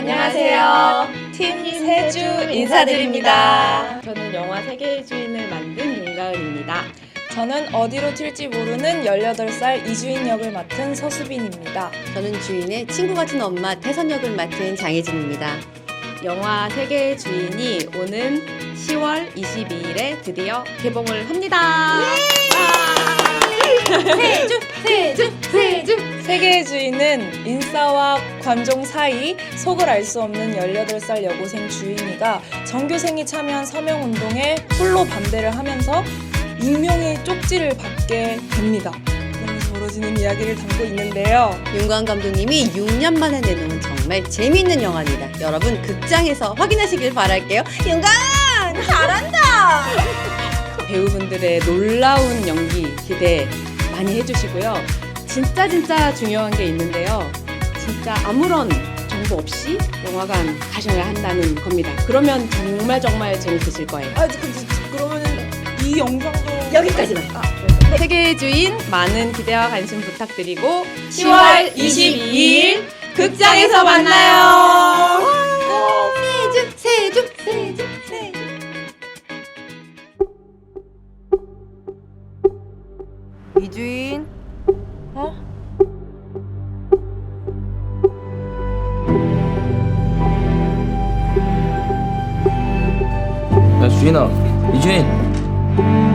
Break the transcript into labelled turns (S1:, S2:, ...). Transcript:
S1: 안녕하세요.
S2: 팀 세주 인사드립니다.
S1: 저는 영화 세계의 주인을 만든 윤가은입니다.
S2: 저는 어디로 튈지 모르는 18살 이주인 역을 맡은 서수빈입니다.
S3: 저는 주인의 친구 같은 엄마 태선 역을 맡은 장혜진입니다.
S1: 영화 세계의 주인이 오는 10월 22일에 드디어 개봉을 합니다.
S3: 세주!
S2: 세계의 주인은 인싸와 관종 사이 속을 알 수 없는 18살 여고생 주인이가 전교생이 참여한 서명운동에 홀로 반대를 하면서 익명의 쪽지를 받게 됩니다. 그러면서 벌어지는 이야기를 담고 있는데요.
S3: 윤광 감독님이 6년 만에 내놓은 정말 재미있는 영화입니다. 여러분 극장에서 확인하시길 바랄게요. 윤광! 잘한다!
S1: 배우분들의 놀라운 연기 기대 많이 해주시고요. 진짜 중요한 게 있는데요. 진짜 아무런 정보 없이 영화관 가셔야 한다는 겁니다. 그러면 정말 재밌으실 거예요.
S2: 그러면은 이 영상도
S3: 여기까지만.
S1: 세계의 주인 많은 기대와 관심 부탁드리고 10월 22일 극장에서 만나요.
S3: 세주!
S4: 이주인,
S5: 야 주인아, 이주인.